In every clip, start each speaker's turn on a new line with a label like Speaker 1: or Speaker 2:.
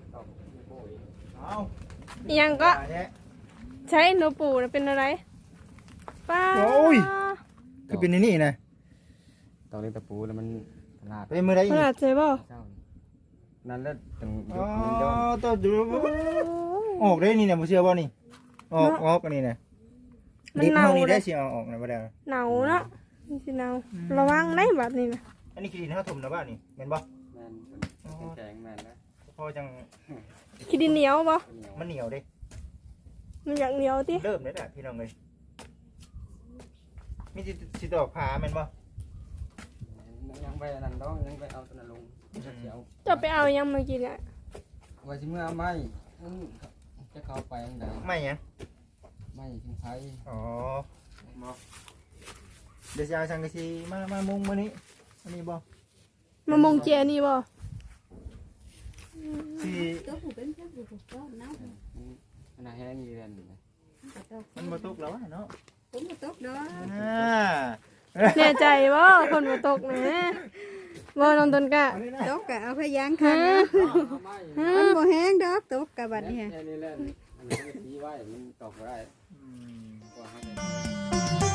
Speaker 1: เอา
Speaker 2: ยังก็ใช้โนปูนะเป็นอะไรป้า
Speaker 1: โอ้ยคือเป็นนี่นะ
Speaker 3: ตอนนี้ตะปูแล้วมันลาด
Speaker 1: ไปมือได้
Speaker 2: ขนาดใช่ป่ะ
Speaker 3: เจ้านั่นแล้วถึง
Speaker 1: อ๋อ
Speaker 3: มันย้อน
Speaker 1: ตัวดูออกได้นี่นะผมเชื่อว่านี่ออกอันนี้นะ
Speaker 2: มัน
Speaker 1: ดิบ
Speaker 2: เน่า
Speaker 1: เท่านี้
Speaker 2: เล
Speaker 1: ได้
Speaker 2: ย
Speaker 1: สิเอาออกนะบ่ได้
Speaker 2: เน่าเนาะนี่สิเน่าระวังได้แบบนี้นะ
Speaker 1: อันนี้คือดินเขาถมนะบ้านี่แม่นบ่
Speaker 3: แม่นแข็งแม่นแล้ว
Speaker 1: พอจัง
Speaker 2: ขี้ดินเหนียวป่ะ
Speaker 3: เหนียว
Speaker 1: มันเหนียวเด้
Speaker 2: มันอยากเหนียวติ
Speaker 1: เริ่มได้แล้วพี่น้องเลยมีสิดอกผาแม่นบ่
Speaker 3: ยังไปนั่นต้องยังไปเอาตัวนั้นลงเดี๋ยว
Speaker 2: จะไปเอายังเมื่อกี้เนี่ย
Speaker 3: ว่าสิเมื่อไม่จะเข้าไปยังไง
Speaker 1: ไม่หยัง
Speaker 3: ไม่ทิ้งไฟ
Speaker 1: อ๋อเดี๋ยวจะเอาสังกะสีมามุงมื้อนี้อันนี้บ่
Speaker 2: มะมงเจนี่ป่ะ
Speaker 1: สิ
Speaker 4: ตัวผู้เป็นเจ้าผู้ก็น้ำ
Speaker 3: มันแห้งอยู่เรียน
Speaker 1: มันบ่ตกแล้วเนาะ
Speaker 4: ผมก็ตกด้ว
Speaker 2: แน่ใจป่ะคนมาตกนะบ่น้องต้นกะ
Speaker 4: ตกกะเอาพยางคันมันบ่แห้งดอกตกกะบัดนี้
Speaker 3: นี่แหละอันนี้มันตีไว้มันตกได้กว่าให้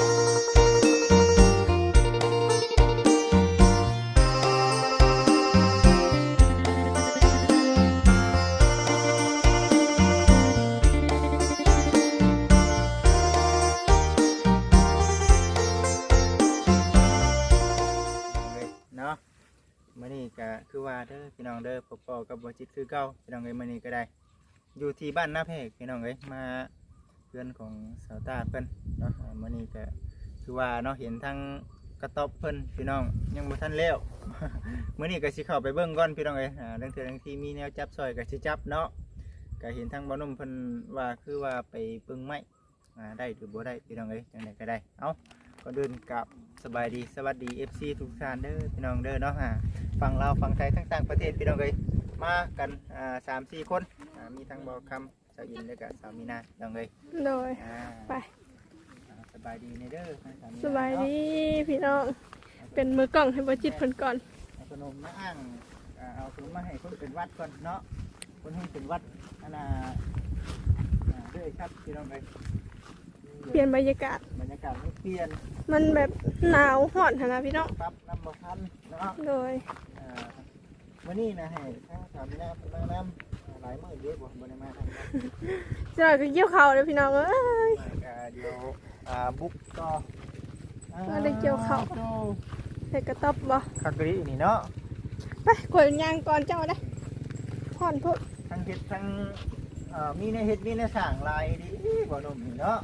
Speaker 1: เนาะมื้อนี้ก็คือว่าเด้อพี่น้องเด้อพบกับบ่จิตคือเก่าพี่น้องเอ้ยมื้อนี้ก็ได้อยู่ที่บ้านนาแพรกพี่น้องเอ้ยมาเพื่อนของสาวตาเพิ่นเนาะมื้อนี้ก็คือว่าเนาะเห็นทั้งกระต๊อบเพิ่นพี่น้องยังบ่ทันแล้ว มื้อนี้ก็สิเข้าไปเบิ่งก่อนพี่น้องเอ้ยเรื่องเทื่อเรื่องที่มีแนวจับซอยก็สิจับเนาะก็เห็นทั้งบ่หนุ่มเพิ่นว่าคือว่าไปปึงไม้ได้หรือบ่ได้พี่น้องเอ้ยจังไดก็ได้เอ้าก่อนอื่นกับสบายดีสวัสดี FC ทุกท่านเด้อพี่น้องเด้อเนาะฝั่งลาวฝั่งไทยทั้งต่างประเทศพี่น้องเอ้ยมากัน3-4 คนมีทั้งบ่คำสาวอินและก็สาวมีนาพี่น้องเอ้ย
Speaker 2: โดยไป
Speaker 1: สบายดีในเด้อทั้งสาวมีนา
Speaker 2: สบายดีพี่น้องเป็นมือกล้องให้บ่จิตเพิ่นก่อน
Speaker 1: เอาขนมมาอ้างเอาขนมมาให้คนเป็นวัดก่อนเนาะคนให้เป็นวัดอันน่ะเด้อครับพี่น้องเอ้ย
Speaker 2: เปลี่ยนบรรยากาศ
Speaker 1: บรรยากาศไม่เปลี่ยน
Speaker 2: มันแบบหนาวฮ้อนหั่นนะพี่น้อง
Speaker 1: ปั๊บน้ำบ่ทันเนาะ
Speaker 2: โดย
Speaker 1: วันนี้นะให้ถ้าถามนะมาน้ำหลายมื้อเยอะบ่บ่ได้มาทางนั้น
Speaker 2: จะหน่อยก็เกี่ยวข้าวเลยพี่น้องเอ้ย
Speaker 1: เดี๋ยวบุกต่อ
Speaker 2: ว่าได้เกี่ยวข้าว ใส่กระต๊อบบ่
Speaker 1: คักกะรีนี่เนาะ
Speaker 2: ไปกดยางก่อนเจ้าได้ฮ้อนพุด
Speaker 1: ทั้งเฮ็ดทั้งมีในเฮ็ดมีในสร้างลายดีบ่หนุ่มนี่เนาะ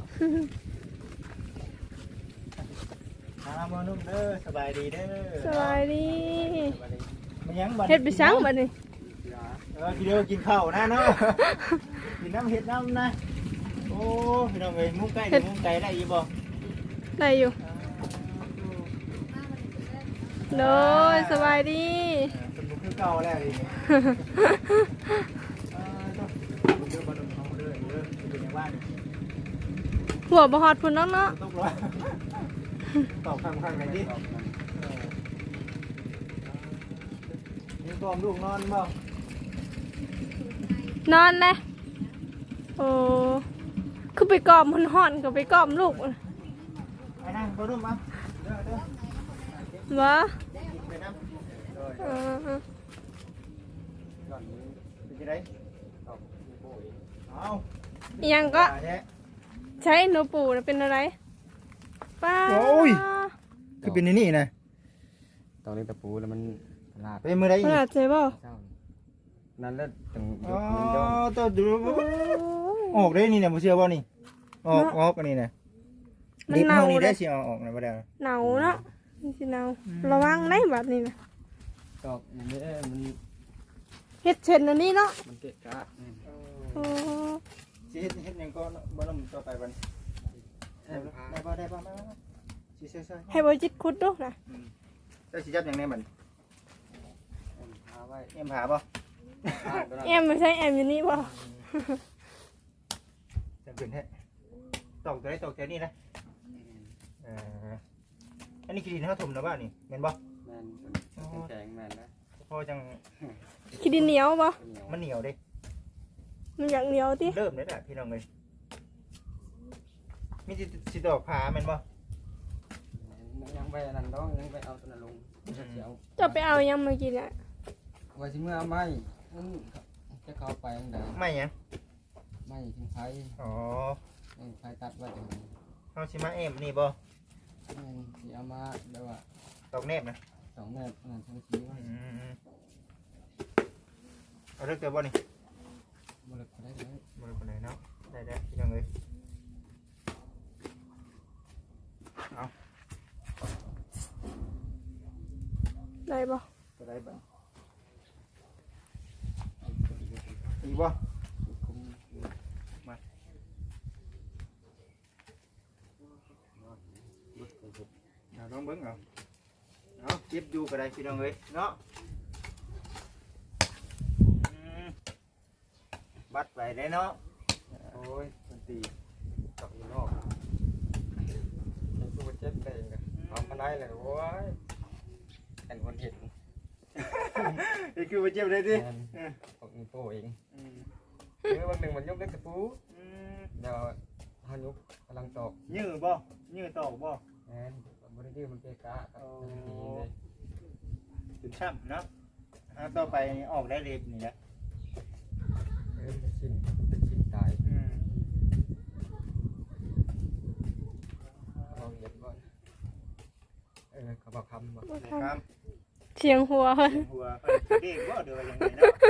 Speaker 1: บ่หนุ่มเด้อสบายดีเด้อ
Speaker 2: สบายดี
Speaker 1: มันยังบ่
Speaker 2: เฮ็ดไปซังบัดนี้
Speaker 1: กินเด้อกินข้าวนะเนาะกินน้ำเฮ็ดน้ำนะโอ้พี่น้องเอ้ยมุ้งไก่มุ้งไก่ได้อีบ่
Speaker 2: ได้อยู่โดยสบายดี
Speaker 1: เป็นมุ้งคือเก่าแล้วดิเด้อบ่หนุ่มเอาเด้ออยู่ในบ้าน
Speaker 2: หัวบ่ฮอดพุ่นน้องเนาะ
Speaker 1: ตกร้อยตอบข้างๆไหนดินี่กอมลูกนอนบ่
Speaker 2: นอนเลยโอ้คือไปกอมมันฮ้อนก็ไปกอมลูก
Speaker 1: ไอ้นั่งบ่นุ่มอ่ะเด้อ
Speaker 2: บ่
Speaker 1: ไปน้ำ
Speaker 2: เออ
Speaker 1: ก่อนเป็นจะได้เอา
Speaker 2: อิหยังก็ใช้โนปูนะเป็นอะไรป้า
Speaker 1: คือเป็นนี่นะ
Speaker 3: ตอนนี้ตะปูแล้วมันลาด
Speaker 1: ไปมือได้
Speaker 2: ขนาดใช่ป่ะ
Speaker 3: เจ้านั่นแล้วถึง
Speaker 1: อ๋อ
Speaker 3: มันย้อน
Speaker 1: ตัวดูออกได้นี่นะผมเชื่อว่านี่ออกอันนี้นะ
Speaker 2: มัน
Speaker 1: ดิบ
Speaker 2: เน่า
Speaker 1: เท่านี้
Speaker 2: เล
Speaker 1: ได้
Speaker 2: ย
Speaker 1: สิเอาออกนะบ่ได้
Speaker 2: เน่าเนาะนี่สิเน่าระวังได้แบบนี้นะ
Speaker 3: ตอกอย่างนี้มัน
Speaker 2: เฮ็ดเช่นอันนี้เนาะ
Speaker 3: มันเกะกะ
Speaker 2: โอ้
Speaker 1: สิเฮ็ดหยังก็บ่ต้องต่อไปบัดได้บ่สิใส่
Speaker 2: ให้บริจิตคุดดูนะ
Speaker 1: ได้สิจับหยังแน่บัด
Speaker 3: พาไว้
Speaker 1: เอ็มผาบ่
Speaker 2: แอมไม่ใช่แอมอยู่นี่ป่ะ
Speaker 1: จังขึ้นแท้ตอกตัวได้ตอกแถวนี้นะอันนี้คือดินเฮาถมนะบ่นี่แม่นบ่
Speaker 3: แม่นแข็งแม่นแล้ว
Speaker 1: พอจัง
Speaker 2: ขี้ดินเหนียวบ่
Speaker 1: มันเหนียวเด้
Speaker 2: มันอยากเหนียวติ
Speaker 1: เริ่มเลยแหละพี่น้องเลยมีสิดอกผาแม่นบ่
Speaker 3: ยังไปนั่นดอกยังไปเอาตัวนั้นลงจะเสียว
Speaker 2: จะไปเอายังมากินอ่ะ
Speaker 3: ไว้สิเมื่อเอาไม้มันจะเข้าไปยังไง
Speaker 1: ไม่หยัง
Speaker 3: ไม้ทิ้งไฟ
Speaker 1: อ๋อ
Speaker 3: ไฟตัดไว้ตรงนี้
Speaker 1: เฮาสิมาเอ็มนี่บ่
Speaker 3: มันสิเอามาเดี๋ยวว่า
Speaker 1: ดอกแนบนะ
Speaker 3: 2 เมตรนั่นทั้งสีไว้
Speaker 1: เอาเลิกเกิดบ่นี่
Speaker 3: บ่เลิกได้เลย
Speaker 1: บ่เลิกคนไหนเนาะได้พี่น้องเลยเอา
Speaker 2: ได้บ่
Speaker 1: จะได้บ่อีกบ่เอาลองเบิ่งเอาเก็บอยู่ก็ได้พี่น้องเลยเนาะบัดไปได้เนาะ
Speaker 3: โอ้ยมันตีตอกอยู่นอกยังกูเจ็บได้เลยเอามาได้เลยโอ้ยเป็นคนเห็น
Speaker 1: นี่คือมาเจ็บเลยดิ
Speaker 3: ตอกนิ้วโป้เองคือบางหนึ่งมันยกเล็กตะปูเดี๋ยวเขายกกำลังตอก
Speaker 1: ยื้อบ่ยื้อตอกบ่
Speaker 3: แอนบริดื้อมันเกะกะครับดีเลย
Speaker 1: ถึงช่ำเนาะต่อไปออกได้เล็บนี่แหละ
Speaker 3: เป็นชิ้นตายเราเหยียบก่อนเขาบอกคำบอก
Speaker 1: ครับ
Speaker 2: เสียงหัว
Speaker 1: หัวเด็กบ่เดือยังไงเนาะ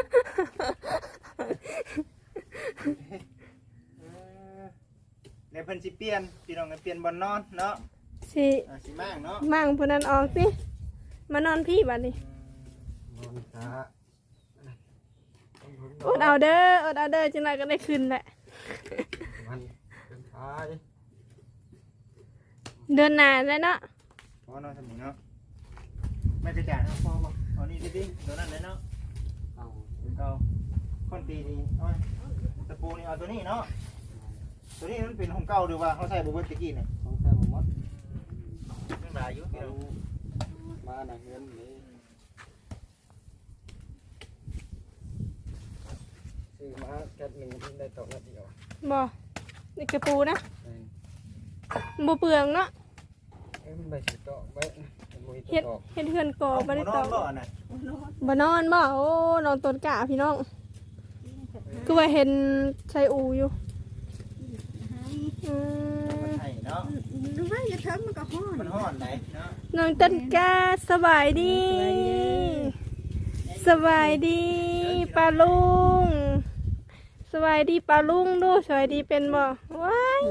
Speaker 1: ในเพิ่นสิเปลี่ยนพี่น้องเปลี่ยนบ่นอนเนาะ
Speaker 2: สิ
Speaker 1: สิมากเนาะ
Speaker 2: มั่งผู้นั้นออกสิมานอนพี่บัดนี้
Speaker 3: บอลช้า
Speaker 2: อดเอาเด้อจังไดก็ได้ขึ้นแหละ
Speaker 3: มันเป็นท้าย
Speaker 2: เดือนหน้าแล้วเนาะ
Speaker 1: พอนอนสมุนเนาะไม่กระจาดเอาพอบ่เอานี่ดิตัวนั้นเลยเนาะ
Speaker 3: เอา
Speaker 1: เอาคนตีนี่เอาตะปูนี่เอาตัวนี้เนาะตัวนี้มันเป็นของเก่าหรือว่าเขาใส่บุเบิร์ตะกี้เนี่ย
Speaker 3: ต้องใช้ผมมด
Speaker 1: ยังหลายอยู่
Speaker 3: เอามาหนังเงินนี่ซื้อมาแก๊สหนึ่งที่ได้ตกนาทีเดียว
Speaker 2: บ่นี่กระปูนะบ่เปลืองเนาะ
Speaker 3: มันใบสีตอกใบ
Speaker 2: เฮ็ดเฮือนกอบ่ได้ตอก
Speaker 1: บ่น่ะ
Speaker 2: บ่นอนบ่โอ้นอนต้นกะพี่น้องคือว่าเห็นใส่อูอยู่
Speaker 1: มันให้เนาะ
Speaker 4: รู้ไหมจะถึงมันก็ฮ้อน
Speaker 1: มันฮ้อนไหนเนาะ
Speaker 2: น้องต้นกะสบายดีสบายดีปลาลุงสบายดีปลาลุงดูสบายดีเป็นบ่ว้าย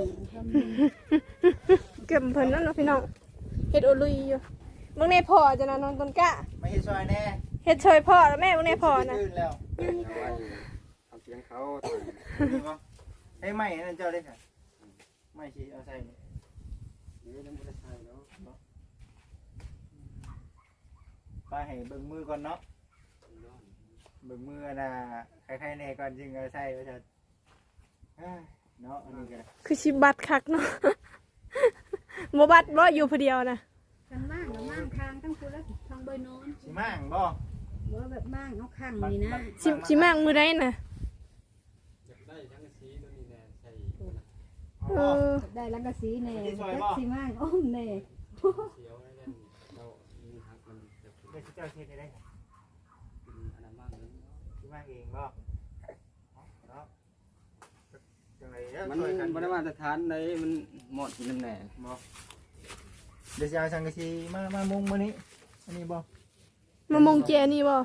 Speaker 2: เก็บเพิ่นนั่นเนาะพี่น้องเฮ็ดโอลุยอยู่มึงในพ่อจะนะน้องต้นกะ
Speaker 1: ไม่เฮ็ดซอยแน่
Speaker 2: เฮ็ดช่วยพ่อแล้วแม่มึงในพ่อนะ
Speaker 1: ตื่นแล้ว
Speaker 3: เอาไว้ทำเสียงเขา
Speaker 1: นี่บ่ให้ไม้นั่นเจ้าได้ค่ะไม้สิเอาใส่นี่
Speaker 3: นี่ยังไม่ได้ใช้เนาะ
Speaker 1: ไปให้เบิ่งมือก่อนเนาะเบิ่งมือน่ะใครๆแน่ก่อนจึงเอาใส่ว่าจะเนาะอันนี้ก็
Speaker 2: คือสิบัดคักเนาะ บ่บัดบ่อยู่ผู้เดียวนะ
Speaker 4: ทางล่างกับล่างทางทั้งคู่แล้วทางเบยนอน
Speaker 1: สิมั่งบ่
Speaker 4: ว่าแบบบ้างเอาข้างนี่นะ
Speaker 2: สิมากมือได้น่ะ
Speaker 3: ได้ทั้งสีตัวนี้แน่ใช่
Speaker 2: เออ
Speaker 4: ได้ลังกะสีแน่สีมั่งอ้อมแน่
Speaker 3: เสียวได้กันเรามีหักมันจะเป็น
Speaker 1: เดี๋ยวสิเจ้าเฮ็ดให้ได้
Speaker 3: อันนั้นมากเลย
Speaker 1: สิมั่งเองบ่เนาะจังไดเด้อ
Speaker 3: มัน
Speaker 1: ช่วยกัน
Speaker 3: บริมาตรฐานในมันหมดกินน้ำแหน่
Speaker 1: บ่เดี๋ยวจะเอาสังกะสีมามุงมื้อนี้อันนี้บ่
Speaker 2: มามงเจนี่บ่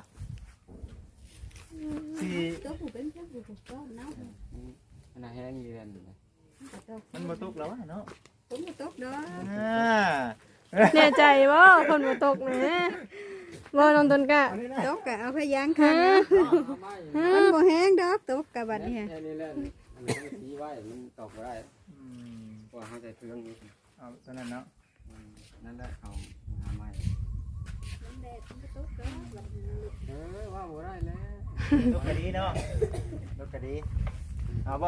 Speaker 1: สิ
Speaker 4: ตัวผู้เป็นตัวผู้ก็เน่า
Speaker 3: มันแห้งเยือน
Speaker 1: มันบ่ตกแล้วเนาะ
Speaker 4: ผมก็ตกดอก
Speaker 2: แน่ใจบ่คนบ่ตกนะบ่น้องต้นกะ
Speaker 1: อันนี้นะ
Speaker 4: ตกก็เอาพยางคันมันบ่แห้งดอกตกกะบัดนี้
Speaker 3: แค่นี้แหละอันนี้สีไว้มันตอกได้เพราะเขาใส่เครื่องนี้
Speaker 1: เอาตอนนั้นเนาะ
Speaker 3: นั่นแหละเขาหาไม้ว่าบ่ได้แล้ว
Speaker 1: ลูกกะดีเนาะลูกกะดีเอาบ่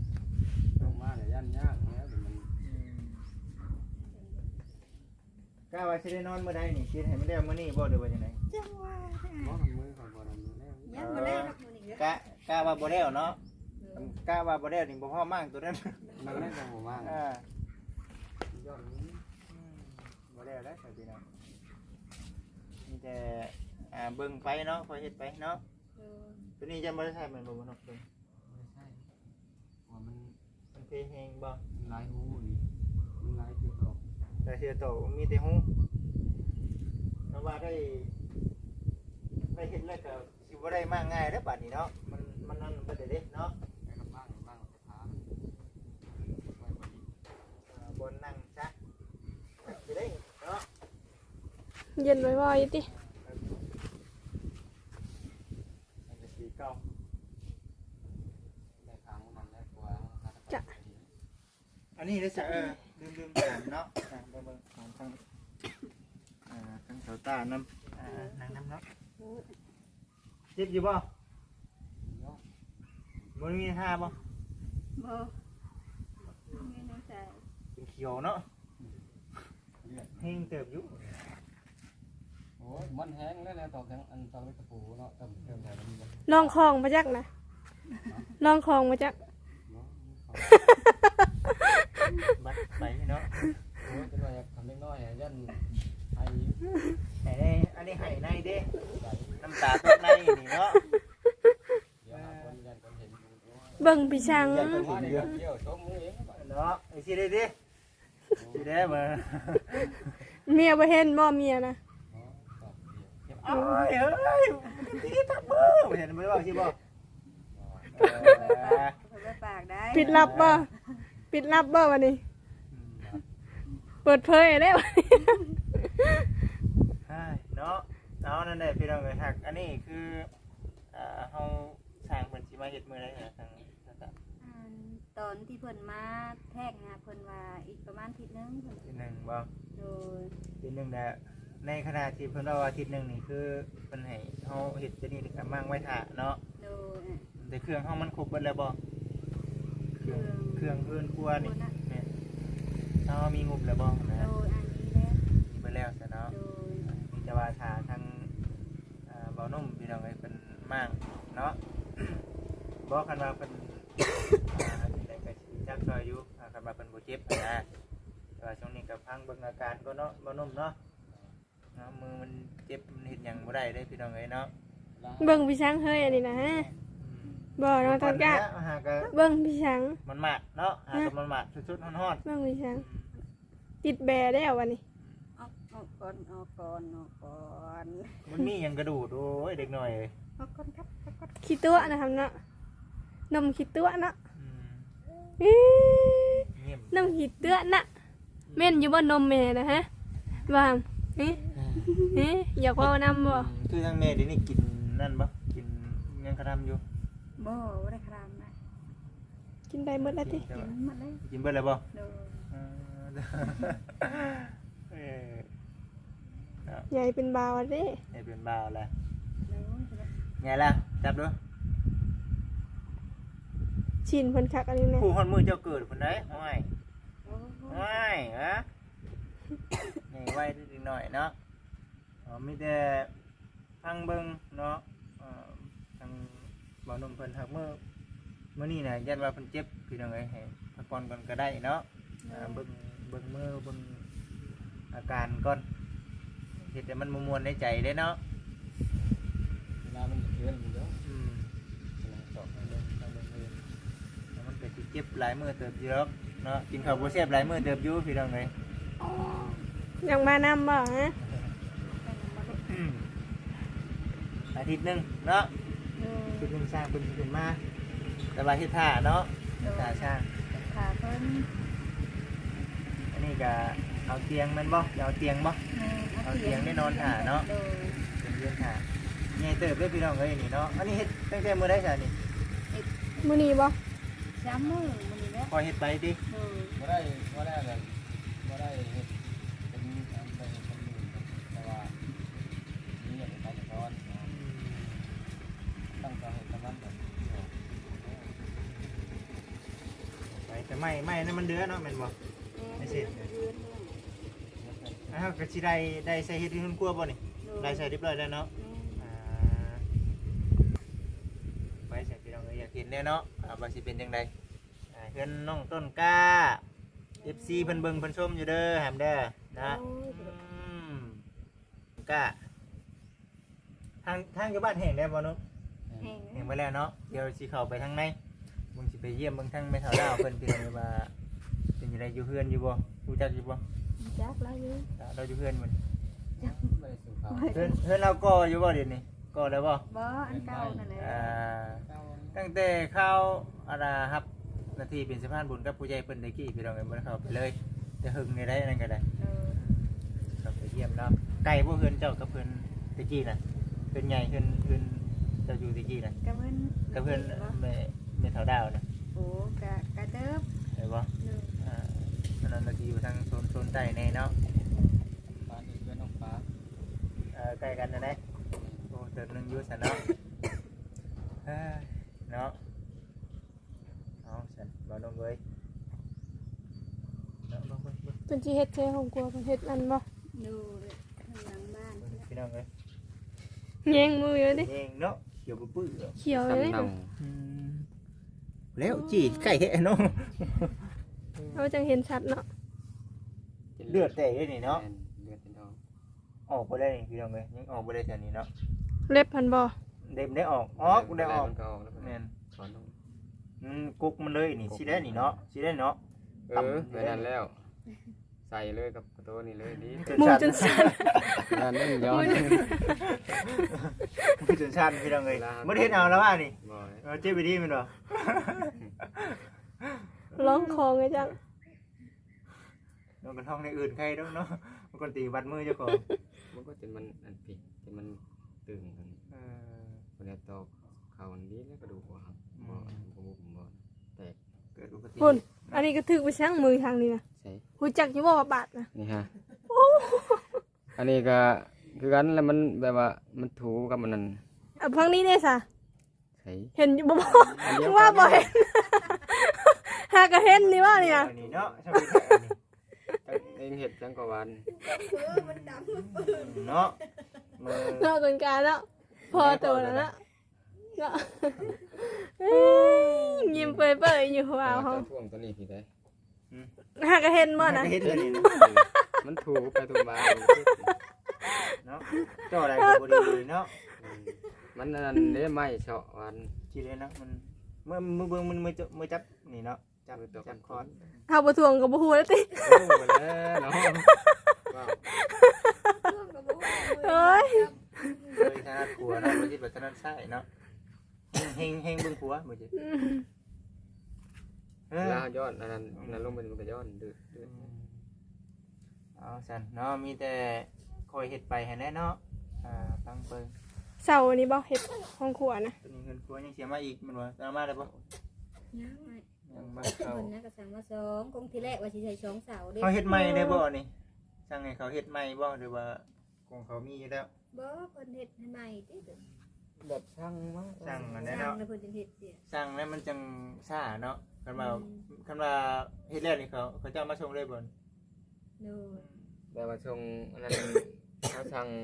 Speaker 3: ลงมาเนี่ยยันยากแล้วมัน
Speaker 1: ก็กะว่าสิได้นอนมื้อใดนี่คิดให้มันได้มื้อนี้บ่หรือว่าจังได๋
Speaker 4: จังว่า
Speaker 3: บ่ทำมือก่อนบ่ทำมือแล้ว
Speaker 4: ยังบ่ได้รับมื้อนี้เด้อก
Speaker 1: ะว่าบ่แล้วเนาะกะว่าบ่แล้วนี่บ่พอมั่งตัวนั้น
Speaker 3: มันเล่นกับผมมาก
Speaker 1: อ่าย
Speaker 3: อดนี้
Speaker 1: บ่แล้วแล้วครับพี่น้องมีแต่เบิ่งไปเนาะคอยเฮ็ดไปเนาะ
Speaker 4: เออ
Speaker 1: ตัวนี้จะบ่ได้ใช้แม่นบ่บ่เนาะเบิ่ง
Speaker 3: ไม่ใช่ว่ามัน
Speaker 1: มันเพแฮงบ่
Speaker 3: ลายหูนี่มันลายจุดออก
Speaker 1: แต่เสียโตมีแต่ฮู้ถ้าว่าได้เฮ็ดแล้วก็สิบ่ได้มาง่ายเด้อบัดนี้เนาะมันนั่นบ่ได้เด้เนาะ
Speaker 3: ไปกับบ้างกับพาไปพอดี
Speaker 1: บนนั่งซะสิได้เนาะ
Speaker 2: เย็นไว้ๆติ
Speaker 1: มันจะสีเก่า
Speaker 3: ในทางมันได้กว่า
Speaker 1: อันนี้ได้ซะลืมถามเนาะเบิ่งของทางทางเสาตานำนั่งนำเนาะเจ็บอยู่บ่บ่มีท่าบ่
Speaker 4: บ่มีน้ำใจ
Speaker 1: เป็นเขียวเนาะเฮงเติบอยู่
Speaker 3: โอ้ยมันแห้งแล้วนะตอกทั้งอันตอกตะปูเนาะตำเติมใส่มันบ่
Speaker 2: ลองของมาจักนะลองของมาจัก
Speaker 1: บัดไปเนาะ
Speaker 3: โอ้ยเป็นว่าอยากทำเล็กน้อยยันไอ้
Speaker 1: ให้ได้อันนี้ให้ในเด้
Speaker 3: ใส่
Speaker 1: น้ำตาตกในนี่เนาะ
Speaker 3: เดี๋ยวหาคนยันคนเห็นดูด้วย
Speaker 2: เบิ่งพี่ช้าง
Speaker 3: ว่าเดี๋ยวชมมือเอง
Speaker 1: เนาะไอ้สิได้ดิสิได้บ่
Speaker 2: เมียบ่เห็นบ่เมียนะ
Speaker 1: เอ้ยตีทับมือเห็นบ่ว่าสิบ่
Speaker 4: เพิ่นไปปากได้
Speaker 2: ปิดลับบ่ปิดลับบ่วันนี้ เปิดเผยได้บ่
Speaker 1: เนาะเอานั่นแหละพี่น้องเอ้ยฮักอันนี้คือเฮาสร้างเพิ่นสิมาเฮ็ดมื้อใดนะทางต่าง
Speaker 4: ตอนที่เพิ่นมาแทกหาเพิ่นว่าอีกประมาณอาทิตย์นึงเพิ่น
Speaker 1: ๆทีหนึงบ่
Speaker 4: โดย
Speaker 1: ทีหนึงน่ะในขณะที่เพิ่นว่าอาทิตย์หนึงนี่คือเพิ่นให้เฮาเฮ็ดจะนี่ก็มั่งไว้ท่าเนาะ
Speaker 4: โดย
Speaker 1: แต่เครื่องเฮามันครบเบิดแล้วบ่เครื่องเพิ่นครัวนี่แม่เฮามีงบแล้วบ่นะ
Speaker 4: โดยอันนี้แล้ว
Speaker 1: มีเบิดแล้วซะเนาะ
Speaker 4: โดย
Speaker 1: มีแต่ว่าถ้าทางเบานุ่มพี่น้องเอ้ยเป็นมั่งเนาะ บอกคันว่าเป็นได้ก็สิจักซอยอยู่คันว่าเป็นบ่เจ็บนะแต่ว่าช่วงนี้ก็พังเบิ่งอาการก็เนาะเบานุ่มเนาะมือมันเจ็บมันเฮ็ดหยังบ่ได้เด้พี่น้องเอ้ยเนาะ
Speaker 2: เบิ่งพี่ช้างเฮ้ยอันนี้นะฮะบ่น้องตอนกะ
Speaker 1: หาก็
Speaker 2: เบิ่งพี่ช้าง
Speaker 1: มันมากเนาะหาก็มันมากสุดๆฮ้อน
Speaker 2: เบิ่งพี่ช้างติดแบได้เอาวันนี้
Speaker 4: ออกก่อน
Speaker 1: มันมีหยังกระดูดโอ้ยเด็กน้อยเอ้ย
Speaker 4: ออกก่อนครับออกก่อน
Speaker 2: ขี้ตัวนะครับเนาะนมขี้ตัวเนาะ
Speaker 1: อื
Speaker 2: อี๋
Speaker 1: เงียบ
Speaker 2: นมขี้ตัวน่ะแม่นอยู่บ่นมแม่นะฮะว่าอยากเว้านำบ่
Speaker 1: คือทางแม่เดี๋ยวนี้กินนั่นบ่กินยังกระทำอยู่
Speaker 4: บ่ได้ครามนะ
Speaker 2: กินได้หมดแล้วติ
Speaker 1: แต่ว่า
Speaker 4: มาเลย
Speaker 1: กินเบิดแล้วบ่
Speaker 4: โดย
Speaker 1: เออ
Speaker 2: ใหญ่เป็นบาวเด้
Speaker 1: ให้เป็นบ่าวแล้ว
Speaker 4: โดย
Speaker 1: ไงล่ะจับดู
Speaker 2: ชินเพิ่นคักอันนี้แน่
Speaker 1: ผู้คนมือเจ้าเกิดคนได้ห้อย
Speaker 4: โอ้
Speaker 1: ห้อยฮะนี่ไว้นิดหน่อยเนาะมีแต่พังเบิ่งเนาะทางบ่าวหนุ่มเพิ่นหักมื้อนี้น่ะยันว่าเพิ่นเจ็บพี่น้องเอ้ยให้พักผ่อนก่อนก็ได้เนาะเบิ่งมือเบิ่งอาการก่อนเฮ็ดให้มันม่วนๆในใจเด้เนาะ
Speaker 3: เวลามันจะเกินอยู่แล้ว
Speaker 1: จบเลยแล้วมันก็สิเจ็บหลายมื้อเติบอยู่แล้วเนาะกินข้าวบ่แซ่บหลายมื้อเติบอยู่พี่น้องเอ้ย
Speaker 2: อยากมานำบ่ฮะ
Speaker 1: อาทิตย์หนึงเนาะ
Speaker 4: โดย
Speaker 1: อาทิตย์หนึงสร้างเพิ่นสิขึ้นมาแต่ว่าเฮ็ดท่าเนาะท่าสร้าง
Speaker 4: ขาเพิ่น
Speaker 1: อันนี้ก็เอาเตียงแม่นบ่เอาเตียงบ่ เอาเตียงได้นอนท่าเนาะ
Speaker 4: โดย
Speaker 1: เป็นเรื่องท่าใหญ่เติบเด้อพี่น้องเอ้ยนี่เนาะอันนี้เฮ็ดตั้งแต่มื้อใดซะนี่
Speaker 2: มื้อนี้บ่
Speaker 4: ช้ำมือมันนี่แหละ
Speaker 1: คอยเฮ็ดไปติ
Speaker 4: โดย
Speaker 3: บ่ได้แบบบ่ได้เฮ็ดเป็นอันเป็นคนอื่นแต่ว่านี่อย่างไปสอนตั้งใจให้กำลังแบบ
Speaker 1: ไปแต่ไม่นั่นมันเดือเนาะแม่นบ่ ไม่สิอ้าวก็สิได้ใส่เฮ็ดที่มันกลัวบ่นี่ได้ใส่เรียบร้อยแล้วเนาะอ่าไปใส่พี่น้องอยากเห็นแน่เนาะว่าสิเป็นจังไดเฮือนน้องต้นกล้า FC เพิ่นเบิ่งเพิ่นชมอยู่เด้อแฮมเด้อนะกล้าทางอยู่บ้านแห่งได้บ่เนาะ แห่งไปแล้วเนาะเดี๋ยวสิเข้าไปทางในมึงสิไปเยี่ยมเบิ่งทางแม่สาวดาวเพิ่นเป็นจังไดว่าเป็นจังไดอยู่เฮือนอยู่บ่รู้จักอยู่บ่
Speaker 4: จักแล้วอยู่
Speaker 1: เราอยู่เฮือนมัน
Speaker 3: ไม่ได้สู่เขา
Speaker 1: เฮือนเราก่ออยู่บ่เดี๋ยวนี้ก่อแล้วบ่
Speaker 4: บ่อันเก่านั่นแหละ
Speaker 1: ตั้งแต่เข้าครับนาทีเป็นสะพานบุญกับผู้ใหญ่เพิ่นได้กี้พี่น้องเอ้ยบ่ได้เข้าไปเลยแต่หึงนี่ได้นั่นก็ได้เข้าไปเยี่ยมเนาะไกลบ่เฮือนเจ้ากับเพิ่นตะกี้น่ะเพิ่นใหญ่เพิ่นเจ้าอยู่ตะกี้น่ะ
Speaker 4: กับเพิ่น
Speaker 1: กับเพิ่นแม่สาวดาวน่ะ
Speaker 4: โอ้กะเติบ
Speaker 1: เห็นบ่ตอนนั้นเราอยู่ทางโซนใต้ในเนาะ
Speaker 3: บ้านนี้เพื่อนน้องฟ้า
Speaker 1: ใกล้กันนะเนี่ยโอ้เติมนึงอยู่สันเนาะเนาะเอาสันบ่ลงเลยเนาะลงไป
Speaker 2: เป็นสิเฮ็ดแท้ของกลัวเพิ่นเฮ็ดอันบ่
Speaker 4: ดูข้างหลังบ้าน
Speaker 1: พี่น้องเลย
Speaker 2: แย่งมืออยู่ดิ
Speaker 1: เองเนาะเกี่ยวกับปื้อ
Speaker 2: เขียวเลย
Speaker 3: เน่า
Speaker 1: แล้วจีใกล้แค่เนาะ
Speaker 2: เอาจังเห็นชัดเนาะ
Speaker 1: เลือดแตกเลยนี่เนาะ
Speaker 3: เลือดเป็นทอง
Speaker 1: ออกไปได้นี่พี่น้องเลยยังออกไปได้แถวนี้เนาะ
Speaker 2: เล็บพันบ่
Speaker 1: เด็มได้ออกได้ออก
Speaker 3: มันก็ออกแล้ว
Speaker 1: แม่น
Speaker 3: ถอนลง
Speaker 1: กุกมันเลยนี่สิได้นี่เนาะสิได้เนาะ
Speaker 3: ไปนั่นแล้ว ใส่เลยกับกระโตนี่เลยดี
Speaker 2: หมูจนสั่น
Speaker 3: นั่นนี่ย้อน
Speaker 1: จนชันพี่น้องเลยไม่ได้เห็นเอาแล้วว่านี่
Speaker 3: บ่อย
Speaker 1: เจ็บไปดีมันเหรอ
Speaker 2: ร้องคอไงจัง
Speaker 1: โดนกระท่องในอื่นใครต้องเนาะมันคนตีบัดมือเจ้าของ
Speaker 3: มันก็จนมันอันผิดจนมันตึงกันคนนี้ตอกเข่าดีแล้วกระดูกหัวหักบ่บ่แตก
Speaker 1: เกิดอุบัติเห
Speaker 2: พุ่น
Speaker 1: ตุ
Speaker 2: อันนี้ก็ถึกไปช่างมือทางนี้นะ
Speaker 3: ใช่
Speaker 2: หูจักอยู่บ่ว่าบาดนะ
Speaker 3: นี่ฮะอันนี้ก็คือกันแล้วมันแบบว่ามันถูกับมันนั่น
Speaker 2: เอาพังนี้เนี่ยซะ
Speaker 3: ใช่
Speaker 2: เห็นอยู่บ่ว่าบ่เห็นหาก็เห็นนี่ว่านี่นะ
Speaker 1: อันนี้เนาะชอบไปแค่อันนี้
Speaker 3: เองเห็ดจังกว่าวัน
Speaker 1: เนาะมือ
Speaker 2: เนาะต้นกาเนาะพอตัวแล้วเนาะเนาะยิ้มเปื่อยๆอยู่ว้าวเฮา
Speaker 3: ท่วงตัวนี้พี่ได้
Speaker 2: หาก็เห็นบ่นะ
Speaker 1: เห็นเลยนะ
Speaker 3: มันถูไปถูมา
Speaker 1: เนาะเจ้าอะไรกับบริบูรณ์เนาะ
Speaker 3: มันนั่นได้ไหมเฉาะวัน
Speaker 1: จีเลยนะมันเมื่อมือเบิ้งมันมือจับนี่เนาะจับคอน
Speaker 2: เฮาบ่ทวงก็บ่ฮู้แล้วติ
Speaker 3: โอ้ไปแล้วเนาะว้าว
Speaker 2: เอ้ย
Speaker 1: เลยถนัดขัวเนาะมันจะแบบถนัดใช่เนาะเฮงเบิ้งขัวมือจี
Speaker 3: ลาย้อนนั่นลงไปมันก็ย้อนดื้อ
Speaker 1: เอาสันเนาะมีแต่คอยเห็ดไปให้แน่เนาะฟังเปิง
Speaker 2: เสานี่บ่เฮ็ดห้องครัวนะ
Speaker 1: ตัวนี้เงินขัวยังเสียมาอีกมันว่าเอามาได้ปะ
Speaker 4: ยังไง
Speaker 1: ยังมา
Speaker 4: ค
Speaker 1: เขา
Speaker 4: นนะก็สั่งมา2คงที่แรกว่าสิใส่2เสาเด้
Speaker 1: เขาเฮ็ดใหม่ได้บ่นี่สั่งให้เขาเฮ็ดใหม่บ่หรือว่าของเขามีอยู่แล้ว
Speaker 4: บ่เพิ่นเฮ็ดให้ใหม่ติ
Speaker 3: แบบช่างมั้ง
Speaker 1: สั่งอัน
Speaker 4: สั่
Speaker 1: นี้
Speaker 4: ง
Speaker 1: เนาะ
Speaker 4: แล้วเพิ่นจะเฮ็ดเสีย
Speaker 1: สั่งแล้วมันจังซ่าเนาะคันว่าเฮ็ดแล้วนี่เขาจะเอามาส่งเลยบ่
Speaker 4: โน่
Speaker 3: แบบว่าชงอันนั้นเขาสั่ง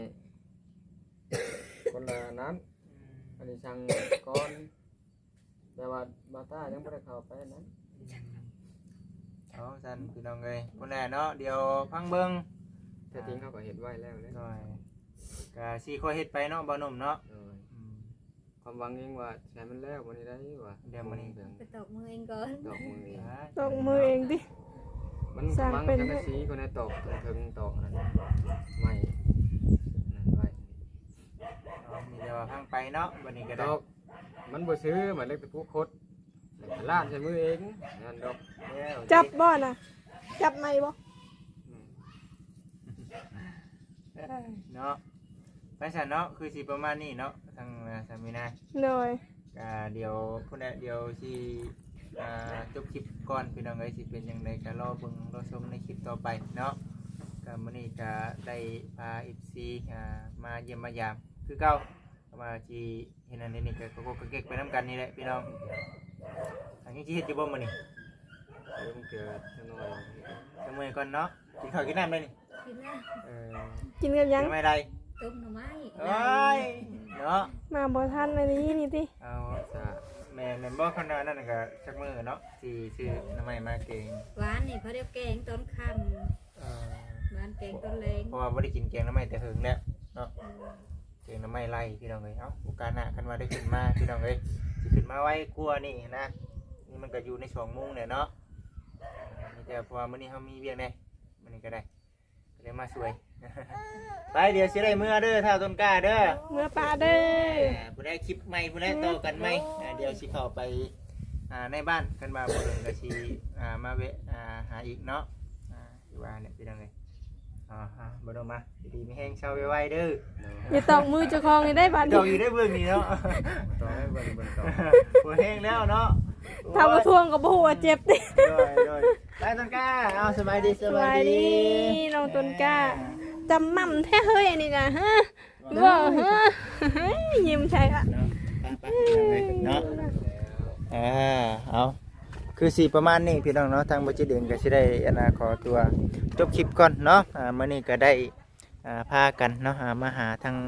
Speaker 3: คนละนั้นอันนี้สั่งก้อนแต่ว่าบาต้ายังไม่ได้เข้าไปนั้น
Speaker 1: เอาสั่นพี่น้องเอ้ยพุ่นแหละเนาะเดี๋ยวพังเบิ่ง
Speaker 3: แต่จริงเขาก็เห็นไว้แล้วเลย
Speaker 1: หน่อยก็สิค่อยเฮ็ดไปเนาะบ่หนุ่มเนาะ
Speaker 3: ความหวังเองว่าใช้มันแล้ววันนี้ได้ว่า
Speaker 1: เดี๋ยวมื้อนี้
Speaker 4: ไปตอกมือเองก่อน
Speaker 3: ดอกมือเอง
Speaker 2: ตกมือเองดิ
Speaker 3: มันมังจังสีคนในตอกถึงตอกนั่นไม่นั่นไว้
Speaker 1: มีแต่ว่าพังไปเนาะวันนี้ก็
Speaker 3: ต
Speaker 1: ได้
Speaker 3: อกมันบ่ซื้อหมายเลขตะผู้คดลาดใช้มือเองนั่นดอก
Speaker 2: จับบ่น่ะจับไหมบ่
Speaker 1: เนาะไปซั่นเนาะคือสิประมาณนี้เนาะทางสามีนาย
Speaker 2: เลย
Speaker 1: เดี๋ยวพุ่นแหละเดี๋ยวสิจบคลิปก่อนพี่น้องเอ้ยสิเป็นจังไดก็รอเบิ่งรอชมในคลิปต่อไปเนาะก็มื้อนี้ก็ได้พา FC มาเยี่ยมมายามคือเก่าก็มาสิเห็นอันนี้ก็ก็เก็กไปนํกันนี่แหละพี่น้องอันนี้สิเฮ็ดอยู่บ่มื้อนี้
Speaker 3: เริ่มเกิดน้อย
Speaker 1: จังมื้อก่อนเนาะกินข้าวกินน้ำได้นี่
Speaker 3: ก
Speaker 5: กินนะ
Speaker 1: เออ
Speaker 2: กินกับหยัง
Speaker 1: ไม่ได้
Speaker 5: ต้มหน่อไม้
Speaker 1: เอ้ยเนาะ
Speaker 2: มาบ่ทันอันนี้นี่ติ
Speaker 1: เอาซะแม่นบ่ขนาดนั้นก็ชักมือเนาะสิซื้อน้ำไม้มาเก่ง
Speaker 5: หวานนี่เขาเรียกแกงต้นค
Speaker 1: เออ
Speaker 5: ำหวานแกงต้นแรง
Speaker 1: เพราะว่าบ่ได้กินแกงน้ำไม้แต่หึงแล้วเนาะแกงน้ำไม้ไล่พี่น้องเอ้ยเอ้าโอกาสหน้าคันว่าได้ขึ้นมาพี่น้องเอ้ยสิขึ้นมาไว้กลัวนี่นะนี่มันก็อยู่ใน2 โมงเนี่ยเนาะนี่แต่เพราะว่ามื้อนี้เฮามีเวียกแน่มื้อนี้ก็ได้ก็เลยมาสวย ไปเดี๋ยวสิได้มื้อเด้อเท่าต้นกล้าเด้อ
Speaker 2: เมื่อปลาเด้อ
Speaker 1: ผู้ได้คลิปใหม่ผู้ได้โตอกันไหมเดี๋ยวสิเข้าไปในบ้านกันมาบ่เดินก็สิมาเวะหาอีกเนาะอยู่ว่าเนี่ยพี่น้องเอ้ยบ่ต้องมาดีๆมีแห้งเช้าไวๆเด้อ
Speaker 2: อย่าตอกมือเจ้าของให้ได้บาด
Speaker 1: ด
Speaker 2: นี้
Speaker 1: อกอยู่ได้เบื้องนี้เนาะ
Speaker 3: ต่อให้เบิ่งต่อ
Speaker 1: บ่แห้งแล้วเนาะ
Speaker 2: ถ้าบ่ทวงก็บ่ฮู้ว่าเจ็บติ
Speaker 1: โดยไปต้นกล้าเอาสบายดี
Speaker 2: สวัสดีน้องต้นกล้าจำม่ำแท้เฮ้ยอันนี้นะฮะบ่ฮะเฮ้ยยิ้มใช่ละ
Speaker 1: เนาะไปเนาะเอาคือสิประมาณนี้พี่น้องเนาะทางบ่จิตเองก็สิได้ขอตัวจบคลิปก่อนเนาะมื้อนี้ก็ได้พากันเนาะมาหาทาง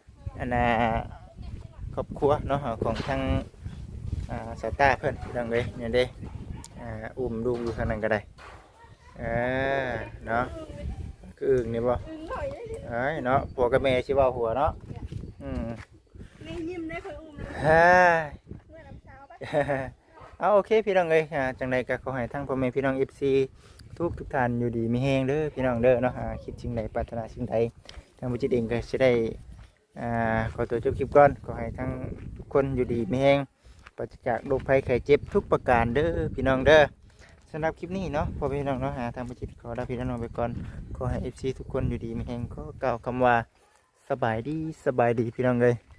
Speaker 1: ครอบครัวเนาะของทางสายตาเพิ่นพี่น้องเอ้ยเนี่ยเด้อุ้มลูกอยู่ข้างนั้นก็ได้เนาะคืออึ่งนี่บ่เอ้ยเนาะผัวกับแม่สิเว้าหัวเนาะ
Speaker 2: นี่ยิ้มได้ค่อยอุ้ม
Speaker 1: เฮ้ย
Speaker 2: เมื่อน้ำเช้าปะ
Speaker 1: เอาโอเคพี่น้องเอ้ยจังใดก็ขอให้ทั้งพ่อแม่พี่น้อง FC ทุกท่านอยู่ดีมีแฮงเด้อพี่น้องเด้อเนาะคิดสิ่งใดปรารถนาสิ่งใดทางบุญจิตเองก็สิได้ขอตัวจบคลิปก่อนขอให้ทั้งทุกคนอยู่ดีมีแฮงปราศจากโรคภัยไข้เจ็บทุกประการเด้อพี่น้องเด้อสำหรับคลิปนี้เนาะพอพี่น้องเนาะทางบุญจิตขอลาพี่น้องไปก่อนขอให้ FC ทุกคนอยู่ดีมีแฮงก็กล่าวคำว่าสบายดีพี่น้องเอ้ย